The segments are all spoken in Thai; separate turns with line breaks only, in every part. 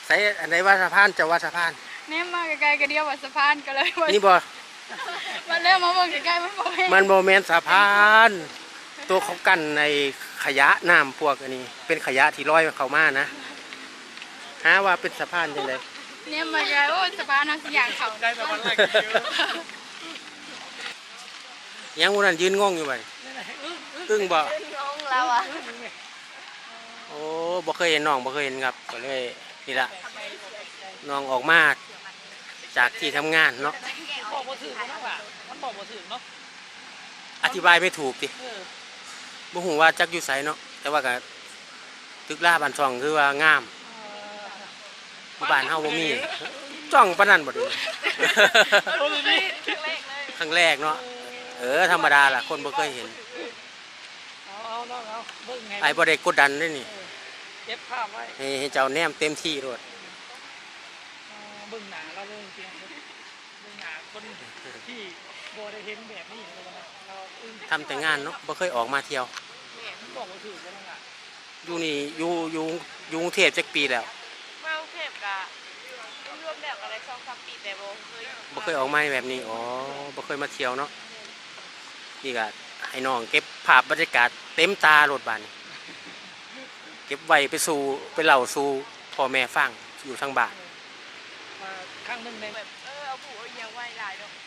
ใส่อันไหนว่าสะพานจะว่าสะพาน
เนี่ยมาใกล้ๆก็เดียวว่าสะพานก็เลย
นี่บ่
มันเริ่มมาเบิ่งใกล้ๆมันบ่เห็น
มันโมเมนต์สะพานตัวเขากันในขยะน้ำพวกอันนี้เป็นขยะที่ลอยเข้ามานะหาว่าเป็นสะพานจังได๋
เนี่ยมาไกลโอ้สะพานเอาสิอย่างเขาได้สะพานแรก
ยังวันนั้นยืนงงอยู่บ่อึ้งบ่
งงแล้วอ่ะ
โอ้บ่เคยเห็นน้องบ่เคยเห็นครับก็เลยนี่ล่ะน้องออกมาจากที่ทำงานเนาะ
บอกบ่ถึงนะว่ะมันบอกบ่ถึงเนาะ
อธิบายไม่ถูกติบ่ฮู้ว่าจักอยู่ไสเนาะแต่ว่าก็ตึกลาบ้านช่องคือว่างามบ้านเฮาบ่มีจ้องปานนั้นบ่ดิครั้งแรกเนาะธรรมดาล่ะคนบ่เคยเห็น
เอาเบิ่งไง
ไอ้บ่ได้กดดันเด้นี่
เก็บภาพไว้
ให้เจ้าแนมเต็มที่โลด
เบิ่งหน้าเราเลยจริงเบิ่งหน้าคนที่บ่ได้เห็นแบบนี้เลยนะเรา
ทำแต่งานเนาะบ่เคยออกมาเที่ยว
บอกบ่ถึงแล้วล่ะ
อยู่นี่อยู่กรุงเทพจักปีแล้ว
มากรุงเทพก็รวมแล้วอะไร2-3 ปีแต่
บ่เคยออกมาแบบนี้อ๋อบ่เคยมาเที่ยวเนาะนี่ก็ให้น้องเก็บภาพบรรยากาศเต็มตาโลดบาดนี้เก็บไว้ไปเล่าสู่พ่อแม่ฟังอยู่ทางบ้าน
มาครั้งนึงใน
แบบเอาผู้เอาอย่างไว้หลายดอก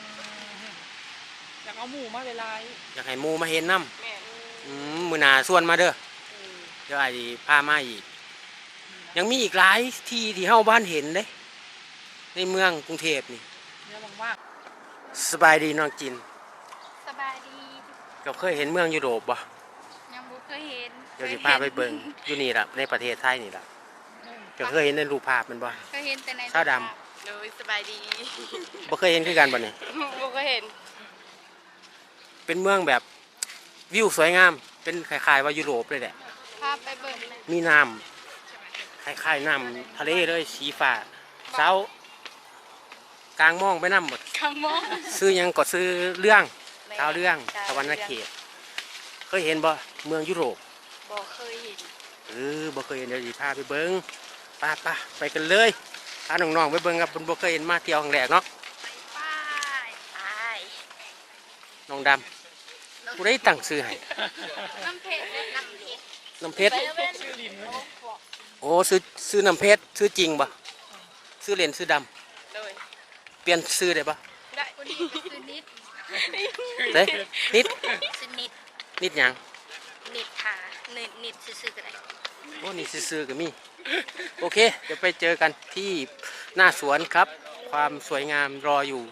อยากเอาหมู่มาหลาย
อยากให้หมู่มาเห็นนำ
แม่
มื้อหน้าชวนมาเด้อเดี๋ยวอ้ายสิพามาอีกยังมีอีกหลายที่ที่เฮาบ้านเห็นเด้ในเมืองกรุงเทพนี่
เนี่ยมาก
สบายดีน้องจิน
สบายดี
ก็เคยเห็นเมืองยุโรปบ่
ยังบ่เคยเห็น
เดี๋ยวสิพาไปเบิ่งอยู่นี่ล่ะในประเทศไทยนี่ล่ะก็เคยเห็นในรูปภาพมันบ่
เคยเห็นแต่ใน
ชาวด
ำเลยสบายดี
บ่เคยเห็นคือกันบ่นี่
บ่เคยเห็น
เป็นเมืองแบบวิวสวยงามเป็นคล้ายๆว่ายุโรปเลยแหละ
พาไปเบิ่ง
มีน้ำคล้ายๆน้ำทะเลเลยสีฟ้าเช้ากลางมองไปน้ำหมด
กลางมอง
ซื้อยังก็ซื้อเรื่องชาวเรื่องตะวันนาเขตเคยเห็นบ่เมืองยุโรป
บ่เคยเห็น
บ่เคยเห็นเดี๋ยวสิพาไปเบิ่งไปกันเลยพาน้องๆไปเบิ่งครับบ่เคยเห็นมาเที่ยวครั้งแรกเนาะ
ไป
น้องดำผู้ใดตั้งชื่อให้
น้ำเพชร
น้ำเพชรโอ้ซื้อน้ำเพชรซื้อจริงบ่ซื้อเหรียญซื้อดำเปลี่ยนซื้อได้บ่
ได้ซื้อนิด
เด้นิด
ซื้อ
นิดหยัง
นิดค่ะนิดซื้อก็ได้
โอ้นี่ซื้อก็มีโอเคเดี๋ยวไปเจอกันที่หน้าสวนครับความสวยงามรออยู่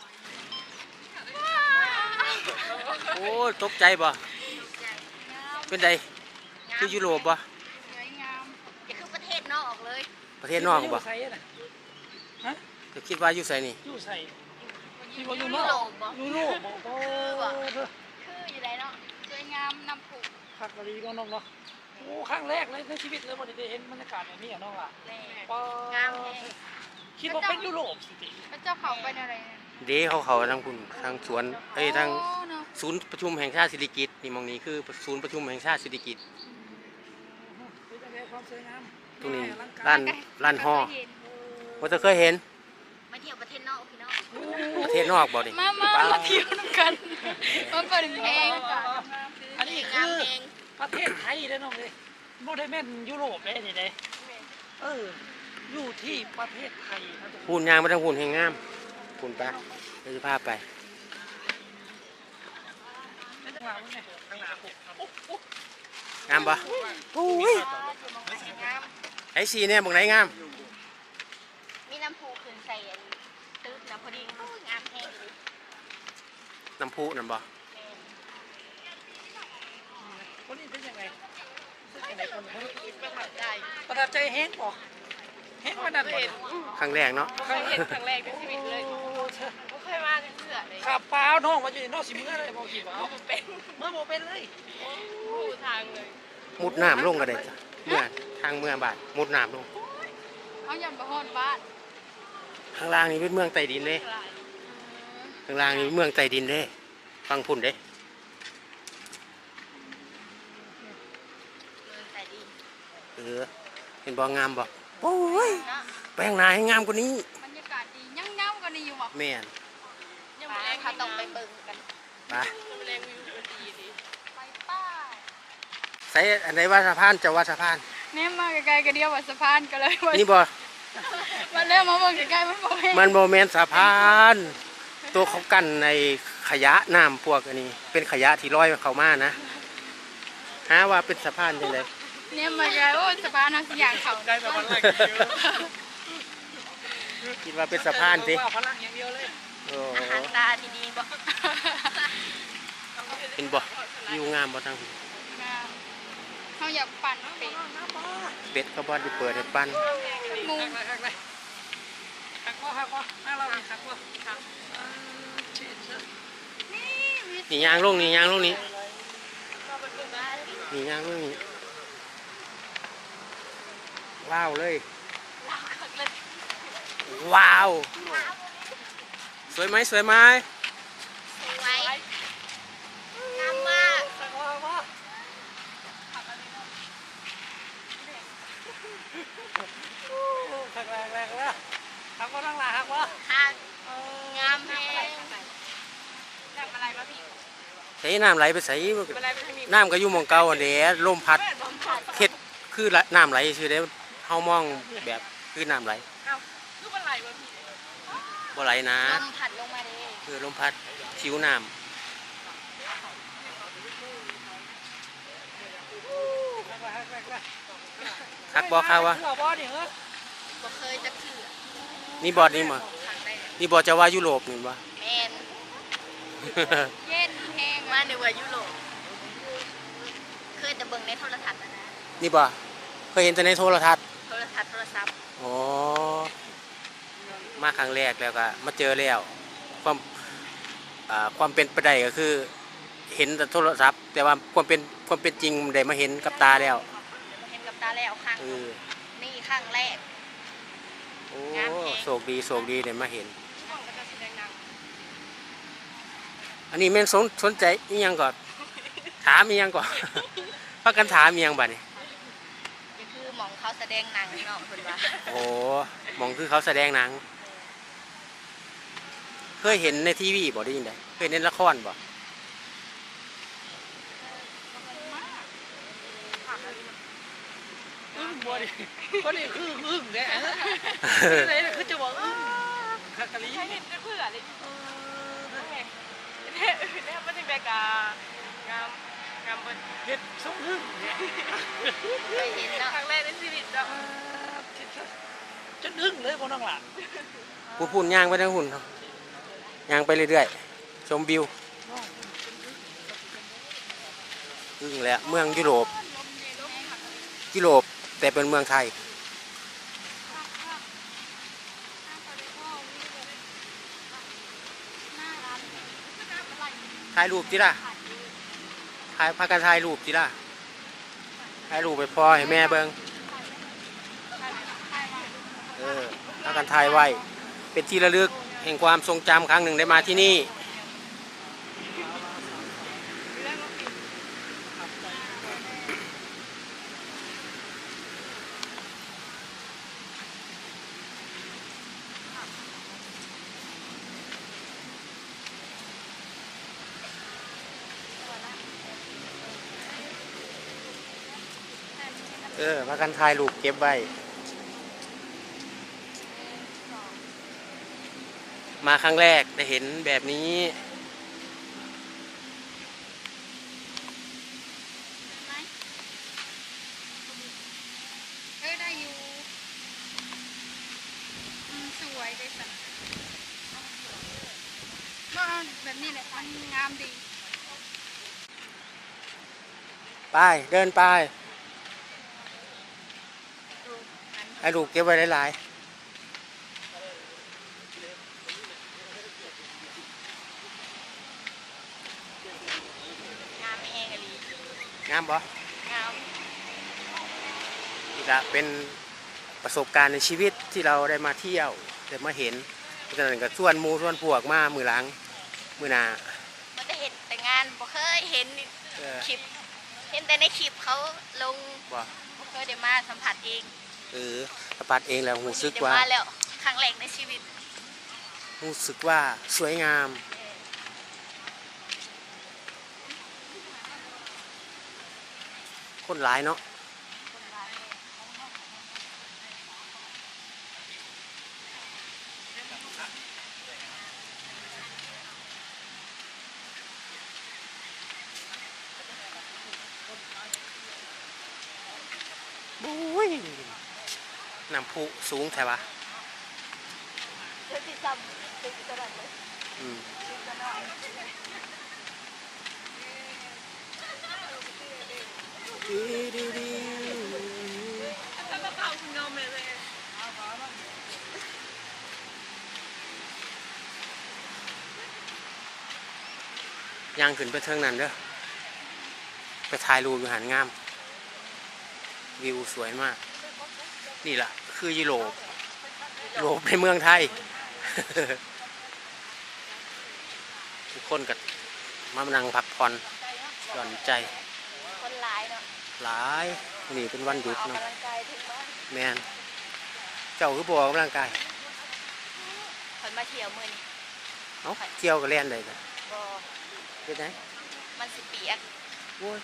โอ้ตกใจบ่เป็นไดคือยุโรปบ่
สวยงามอย่าคือประเทศนอกเลย
ประเทศนอกบ่
ฮะ
ก็คิดว่าอยู่ไสนี่
อยู่ไสที่ว่าอยู่นอกยุโรปบ่
คืออยู่ไหนเนาะสวยงามน้ำผุ
พักดีก็น้องเนาะโอ้ครั้งแรกเลยในชีวิตเลยบ่ได้เห็นบรรยากาศแบบนี้อ่ะน้องล่ะ
งาม
คิดว่าเป็นยุโรปสิ
พระเจ้าเขาเป็นอะไร
เด้เขาทางคุณทางสวนทางศูนย์ประชุมแห่งชาติสิริกิติ์นี่มองนี้คือศูนย์ประชุมแห่งชาติสิริกิติ์ตรงนี้ร้านห่อว่าจะเคยเห็น
มาเที่ยวประเทศนอกพี่น้อง
ประเทศนอกบ่ดิ
มาเที่ยวกันมาเปิดเพลง
อันนี้คือประเทศไทยเด้อน้องเอ้ยบ่ได้แม่นยุโรปเด้นี่เด้อยู่ที่ประเทศไทย
หุ่นยางมาทางหุ่นแห่งงามหุ่นปะเดี๋ยวจะพาไปงามปะไอ้สีเนี่ยบอกไหนงาม
มีน้ำพุขึ้นใส่ตื้นน้ำพอดีงามแห้ง
น้ำพุนั่นปะ
คนนี้เป็นยังไง
ประ
ทับใจแห้งปะแห้งวันนั้น
ครั้งแรกเนาะ
เคยเห็นครั้งแรกในชีวิตเลยไม่เคยมากันเสือเลย
ขับเปล่าน้องมาอยู่ในนอกสิเมื่อเลยบอกขี่เปล่า
เป็น
เมื่อโมเป็นเลย
ทางเลย
มุดน้ำลงกันเลยเมื่อทางเมืองบาดมุดน้ำลง
เขายำบะฮอนบ้าน
ข้างล่างนี่เป็นเมืองใต้ดินเลยข้างล่างนี่เมืองใต้ดินเลยฟังพุ่นเด้เห็นบ่งามบ่โอ้ย
เนาะ
แปลงหนาให้งามกว่านี้
บรรยากาศดียังเงากันนี่อยู่บ่
แม่น
ยังบ่แรงเขาต้องไปเบิ่งกัน
ไป
แรงวิวดีดีไปป้า
ใส่อันไหนว่าสะพานจะว่าสะพาน
เนี่ยมาใกล้ๆก็เดียวว่าสะพานกันเลยว่า
นี่บ่
มันเริ่มมาเบิ่งใกล้ๆมันบ่แม่น
มันโมเมนต์สะพาน ตัวเขากั้นในขยะน้ำพวกอันนี้ เป็นขยะที่ลอยเข้ามานะหาว่าเป็นสะพานจังได
เนี่ยมาใกล้โอ้สะพานเอาสิอย่างเขา
ได้แต่วันแรกเยอะ
คิดว่าเป็นสะพานสิ
ว่าพลังอย่างเดียวเลย
โอ้
อาหารตาที่ดีบ่
เป็นบ่อยู่งามบ่ทั้ง
งามเขาอยากปั่นเป็ด
เป็ดก็บ่ได้เปิดให้ปั้น
หมู
หักเลยหักว่าหน้าเราหักว่าหัก
นี่มี
นี่ยางลงนี่ยางลงนี่
มาเป็นหมู่บ้าน
นี่ยางลงนี่ว้าวเลย
เราคักเลย
ว้าว สวยไหมสวยไหม
สวยงามมาก
หักว่าหักแรงแล้วหักว่านั่งหลังหักว่า
ทางงามแฮงน้ำอะไรมาพี่
ใส่น้ำไหลไปใส่
อะไรไปทางนี้
น้ำก็อยู่หมองเก่าอันเด้ลมพัดเฮ็ดคือน้ำไหลซื่อเด้เฮามองแบบคือน้ำไหล
คือมันไหลมาพี่
บ่ไหลนะ
ลมผัดลงมาเลย
คือลมพัดชิวน้ำคักบ่คักวะ
บ่นี่เหรอ
บ่เคยจะเถื่อ
นี่บอดนี่มา
ทางได้
นี่บอดจะว่ายุโรปนี่บ่
แมนเย็นแห้งมาในว่ายุโรปเคยแต่เบิ่งในโทรทัศน์นะ
นี่บ่เคยเห็นแต่ในโทรทัศน์
โทรทัศน์โทรศัพท์
อ๋อมาครั้งแรกแล้วก็มาเจอแล้วความเป็นไปได้ก็คือ เห็นแต่โทรศัพท์ แต่ว่าความเป็นจริงได้มาเห็นกับตาแล้ว
เห็นกับตาแล้วครั้ง
เออ
นี่ครั้งแรก
โอ้
งามแฮง
โชคดีได้มาเห็น
ช่วงก็จะแสดงหนัง
อันนี้แม่นสนใจอีหยังก่อนถามอีหยังก่อน พักกันถามอีหยังบัดนี้
นี่คือหมองเขาแสดงหนังเนาะเพิ่นว่า
โอ้หมองคือเขาแสดงหนัง เคยเห็นในทีวีบ่ได้ยินได้เคยเห็นในละครบ่
บ่ดิบ่ดิคืออึ้งแกนี่เลยคือจะบอกอึ้งคักกะลี
เห็นเพื่ออะไรเนี่ยมันถึงแบบงามเบิ่ง
เฮ็ดสมอึ้งเนี่ย
เคยเห็นเนาะครั้งแรกในชีวิตเนาะ
จนอึ้งเลยบ่น้องหล่ะ
ผู้พูนย่างไปทั้งหุ่นครับย่างไปเรื่อยๆชมวิวอึ้งแล้วเมืองยุโรปแต่เป็นเมืองไทยถ่ายรูปจิล่ะพากันถ่ายรูปจิล่ะถ่ายรูปไปพ่อให้แม่เบิ่งพากันถ่ายไว้เป็นที่ระลึกแห่งความทรงจำครั้งหนึ่งได้มาที่นี่พากันถ่ายรูปเก็บไว้มาครั้งแรกได้เห็นแบบนี้
ได้อยู่สวยได้สักก็แบบนี้แหละมันงามดี
ไปเดินไปให้รูปเก็บไว้หลาย
งามแห้งอะลี
ๆงามบ่
งาม
นี่ละเป็นประสบการณ์ในชีวิตที่เราได้มาเที่ยวได้มาเห็นเพราะฉะนั้นก็ชวนหมู่ชวนพวกมามือหลังมือหน้า
มันจะเห็นแต่งานบ่เคยเห็น
เออ
คลิป เห็นแต่ในคลิปเขาลง
บ่
บ่เคยได้มาสัมผัสเอง
อสัมผัสเองแล้วรู้สึกว่า
มาแล้วครั้งแรกในชีวิต
รู้สึกว่าสวยงามคนหลายเนาะบุ้ยน้ำพุสูงแท้ปะ
เดี๋ยวติดตามติดตลอดเลย
อืมย่างขึ้นไปเทิงนั้นเด้อไปถ่ายรูปอยู่หันงาม วิวสวยมาก นี่แหละคือยุโรปยุโรปในเมืองไทย ทุกคนก็มานั่งพักผ่อนหย่อนใจ
คนหลายเนาะ
หลายนี่เป็นวันหยุด
ออก
เนาะ
กำลังกายถึงบ้าน
แมนเจ้าคือบอกกำลังกาย
คนมาเที่ยวมื้อนี้
เอ้าเที่ยวก็เล่นได้จ้ะ
บ่
เป็นไง
มันสิเปียก
โอ้ย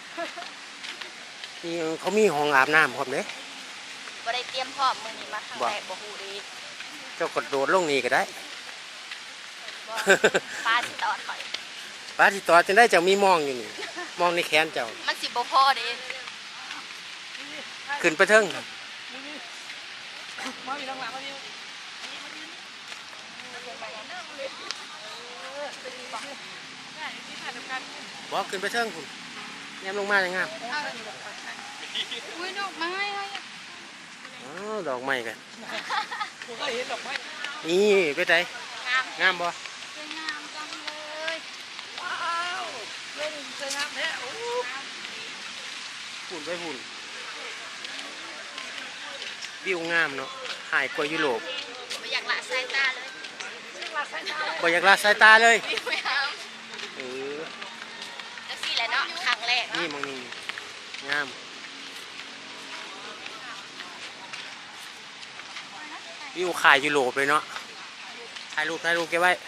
นี่เขามีห้องอาบน้ำครับเด้
บ่ได้เตรียมพร้อมมื้อนี้มาครั้ง
บ่
แรกบ่ฮู้ดี
เจ้ากระโดดลงนี่ก็ได้
บ่ปลาสิตอดข่อย
ป้าที่ต่อจะได้เจ้ามีมองอยู่นี่มองในแขนเจ้า
มันสิบ่พอเด้
ขึ้นไปเทิง
มาอยู่ทางหลังมาดิ
บอกขึ้นไปเทิงคุณแนมลงมาอย่างงาม
อุ้ยดอกไม้
อ๋อดอกไม้กัน
ผมก็เห็นดอกไม้
นี่ไปไหน
งาม
งามบ่
สวยงามจังเลย
ว้าวเล่นสวยงามแท้โอ้
หุ่นไปหุ่นวิวงามเนาะหายกว่ายุโรป
บ่อยากละสายตาเลย
ลาสายตา
บ่อยากละสายตาเลย
วิวงาม
เออ
จังซี่แหละเนาะครั้งแรก
นี่
เนาะ
มองนี่งามวิวขายยุโรปเลยเนาะถ่ายรูปเก็บไว้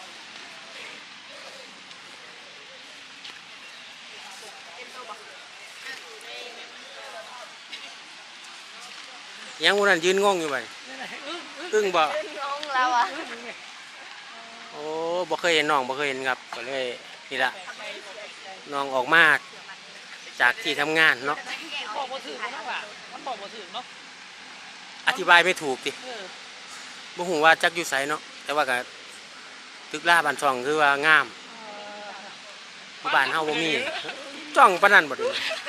ยังวันนั้นยืนงงอยู่ไป
นี่แหละอึ้ง
อึ้งบ่
งงแล้วอ่ะ
โอ้บ่เคยเห็นน้องบ่เคยเห็นครับก็เลยนี่ละน้องออกมาจากที่ทำงานเนาะ
บอกบ่ถึงนะว่ามันบอกบ่ถึงเนาะ
อธิบายไม่ถูกติ
เออ
บ่ฮู้ว่าจักอยู่ไสเนาะแต่ว่าก็ตึกล่าบ้านช่องคือว่างามอยู่บ้านเฮาบ่มีจ้องปานนั้นบ่เดู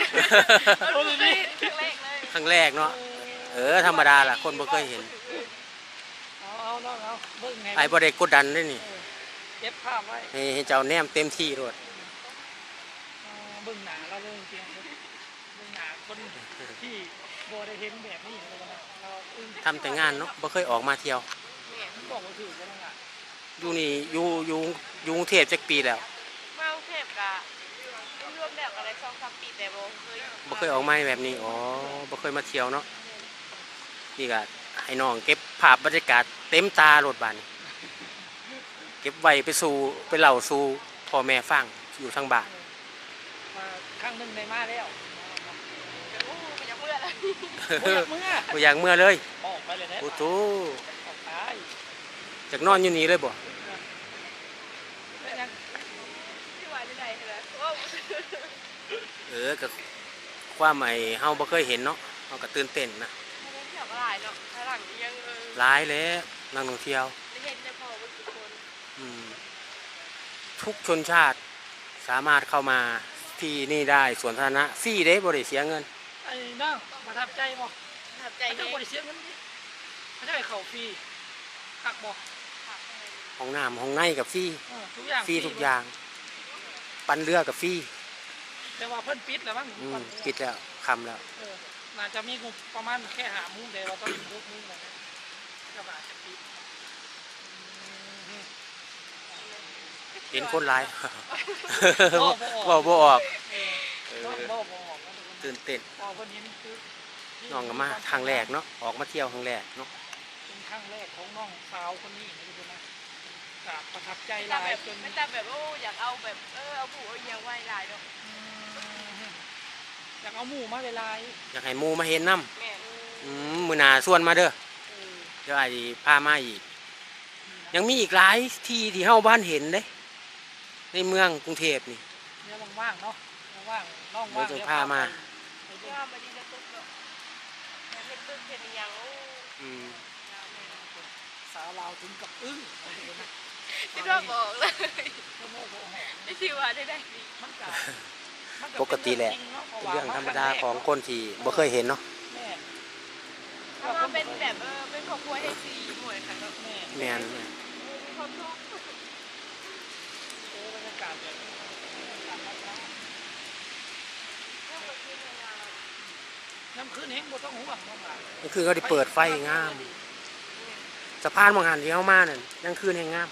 ครั้งแรกเนาะธรรมดาล่ะคนบ่เคยเห็น
เอาเนาะเอาเบิ่งไง
ไอ้บ่ได้กดดันเด้นี่
เก็บภาพไว้
ให้เจ้าแนมเต็มที่โลด
เบิ่งหนาเราเลยจริงๆเบิ่งหนาคนที่บ่ได้เห็นแบบนี้เลยนะเราอึ้ง
ทำแต่งานเนาะบ่เคยออกมาเที่ยว
มันบอกบ่ถึงกันล่ะ
อยู่นี่อยู่กรุงเทพจักปีแล้ว
มากรุงเทพกะรวมแล้วก็ได้2-3ปีแต่บ่เคย
บ่เคยออกมาแบบนี้อ๋อบ่เคยมาเที่ยวเนาะนี่ก็ให้น้องเก็บภาพบรรยากาศเต็มตาโลดบาดนี้เก็บไว้ไปเล่าสู่พ่อแม่ฟังอยู่ทางบ้าน
มาครั้งหนึงได้มาแล้ว
โอ้บ่อยากเมื่อแล้ว
บ่อยากเมื่อ
บ่อยากเมื่อเลย
ออกไปเลยนะ
โอ้โธ
ออกไป
จากนอนอยู่นี่เลยบ่
แล้วยัง
ที่ว่าจังได๋เหรอโอ้
ก็ความไอ้เฮาบ่เคยเห็นเนาะเฮาก็ตื่นเต้นนะ
บ่ได้เที่ยวหลายเนาะข้างหลังยัง
หลายแล้วนักท่องเที่ยว
ได้เห็นแต่พอบ่กี่คน
อืมทุกชนชาติสามารถเข้ามาที่นี่ได้สวนสาธารณะฟรีเด้บ่ได้เสียเงิน
ไอ้น้องประทับใจบ่
ประทับใจ
ไอ้
แฮ
เจ้าง บ่ได้เสียเงินดิไม่ใช่เข้าฟรีคักบ่
ห้องน้ำห้องในกับฟรี
ทุกอย่าง
ฟรีทุกอย่าง ปั่นเรือกับฟรี
แต่ว่าเพิ่นปิดแล้วมั้ง
ปิดแล้วคำแล้ว
น่าจะมีงบประมาณแค่5มื้อแต่ว่าต้อง6มื้อแล้วนะก็อาจจะปิด
เห็นคนหลาย เว้าบ่ออก
บ่
ตื่นเต้น
พอเพิ่นเห็นคือ
น้องก็มาครั้งแรกเนาะออกมาเที่ยวครั้งแรกเนาะ
เป็นครั้งแรกของน้องสาวคนนี้นะทุกคนนะกราบประทับใจห
แต่
ลาย
แบบ
จน
ไม่แต่แบบโอ้อยากเอาแบบเอาผู้เอาอย่างไว้หลายดอก
อยากเอาหมูมาหลาย
อยากให้หมู่มาเห็นน้
แม่
มื้อหน้าส่วนมาเด้อ
ๆเออ
เดี๋ยวอ้ายสิพามาอีก ยังมีอีกหลายที่ที่เฮาบ้านเห็นเด้ในเมืองกรุงเทพนี่
เนี่ยว่างๆเนาะว่างๆน้องว่าง
เดี๋ยวจะพามา
ไปดู
ว่ามาดีจะตึกเนาะเห็นตึกเห็นอย่างโอ้
อืม
สาวลาวถึงกับอึ้งเอาดูนะ
ที่ว่าบอกเลย
โอ้โหโอ้โห
ไม่ที่ว่าได้ดี
มันก็มัน
ปกติแหละ
เป็น
เรื่องธรรมดาของคนที่บ่เคยเห็นเนาะ
แม่
ถ้ามาเป็นแบบเป็นครอบครัวให้สีหมวยค่ะก็
แม่
แม่น
มีความทุกข์
โอ้บรรยากาศแบบนี้น้ำคืนเฮงบ่ต้องห่วงน้องหลาน
นี่คือเขาได้เปิดไฟงาม สะพานบางหันที่เฮามานั่นยังคืนแห่งงาม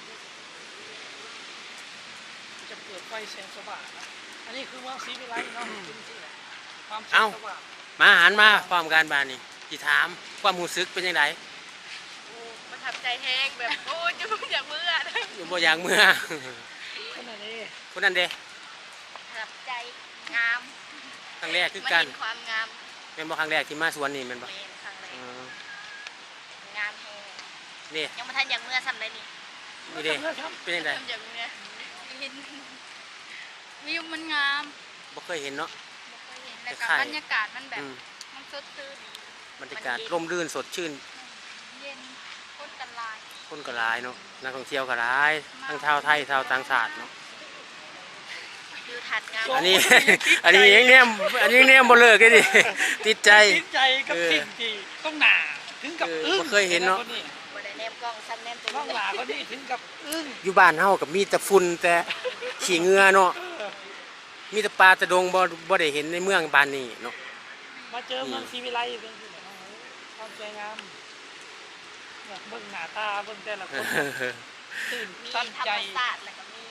จะเปิดไฟแสงสว่างนะอันนี้คือเมืองศรีวิไลเนาะจริงๆแหละความแส
เอ้า
งสว่าง
มาหันมาพร้อมกันบานนี่สิถามความรู้สึกเป็นจังได
ประทับใจแห้งแบบโอ้จะอยากเมื่อนะ
อยู่บ่อย่างเมื่อ
ขนาดนี้
คนนั้นเด้
ประทับใจงาม
ครั้งแรกคือ
มา
กัน
เห็นความงาม
เป็นบ่ครั้งแรกที่มาสวนนี่แม่นบ่
เป็นครั้งแร
เอก
งามแห้ง
นี่
ยังมาทันอยากเมื่อซ้ำเลยนี่
นี่เด้เป็นจังได
ทำอย่างเมื่อเห็นวิวมันงาม
บ่เคยเห็นเนาะ
บ่เคยเห็นแล้วก็
คล้ายๆ
บรรยากาศมันแบบ
อืม
มันสดชื่น
บรรยากาศร่มรื่นสดชื่น
เย็นคนกันหลาย
คนก็หลายเนาะนักท่องเที่ยวก็หลายทั้งชาวไทยชาวต่างชาติเนาะ
วิวทัดงาม
อันนี้ อันนี้ยังเนี่ยบ่เลิกเลยดิ ติดใจ
ติดใจกับสิ่งที่ต้องหนาถึงกับอึ้ง
บ่เคยเห็นเนาะ
บ่ได้แนมกล้องซ้ำแนมตัว
น้องหลาคนนี้ถึงกับอึ้ง
อยู่บ้านเฮากับมีแต่ฝุ่นแต่ขี้เหงื่อเนาะมีแต่ปลาแต่ดงบ่ได้เห็นในเมืองบ้านนี้เนาะ
มาเจอเมืองศรีวิไลเป็นที่ไหนความสวยงามเนี่ยเบิ่งหน้าตาเบิ่งแต่ละคนตื่น
มี
ตัน
ธรร
ใจ
มศาสตร์แล้วก็มี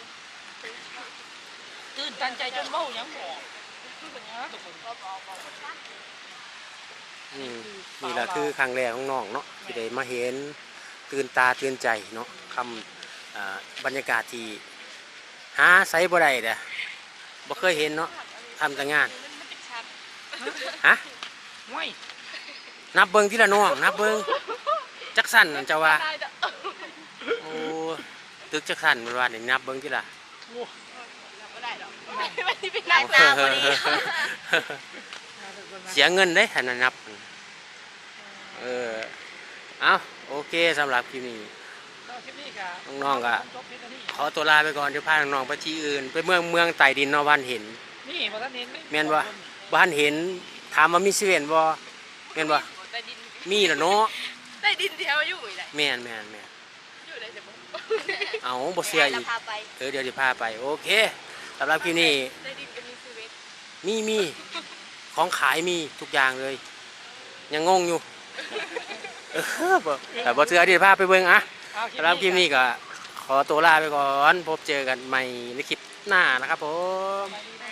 ตื่นตันใจจนเบ้าหยังบอกคือเป็นอย่างนั้นทุกคน
ก็บอกว่า
อืมนี่ล่ะคือครั้งแรกของน้องเนาะที่ได้มาเห็นตื่นตาตื่นใจเนาะคำบรรยากาศที่หาไสบ่ได้เด้อบ่เคยเห็นเนาะทำแต่งาน
มันเป็นชัด
ฮะ
ไม่
นับเบิ่งทีละน้องนับเบิ่งจักสั่นนั่นเจ้าว่า
ได้ดอก
โอ้ตึกจักสั่นมันว่านี่นับเบิ่งทีละ
โอ้
บ่ได้ดอกไม่ได้เป็นนายตาพอดี
เสียเงินเด้ถ้านับเอาโอเคสำหรับคลิปนี้
คลิปนี้ก็
น้องๆก็
จบเพียงเท่านี้
ขอตัวลาไปก่อนเดี๋ยวพาน้องๆไปที่อื่น ไปเมืองใต้ดินเนาะบ้านเห็น
นี่บ่ทันเห็น
แม่นบ่ บ้านเห็นถามว่ามีเซเว่นบ่แม่นบ่
ใต้ดิน
มีล่ะเนาะ
ใต้ดินเดียวอยู่อีกแหละ
แม่น
อยู่ได้แต่บ่
เอาบ่เชื่ออีก
พาไป
เดี๋ยวสิพาไปโอเคสำหรับคลิปนี้
ใต้ดินก็มีชีวิต
มีของขายมีทุกอย่างเลย ยังงงอยู่บ่แต่บ่เชื่อเดี๋ยวพาไปเบิ่งอะสำหรับคลิปนี้ก็ขอตัวลาไปก่อนพบเจอกันใหม่ในคลิปหน้านะครับผม
ได้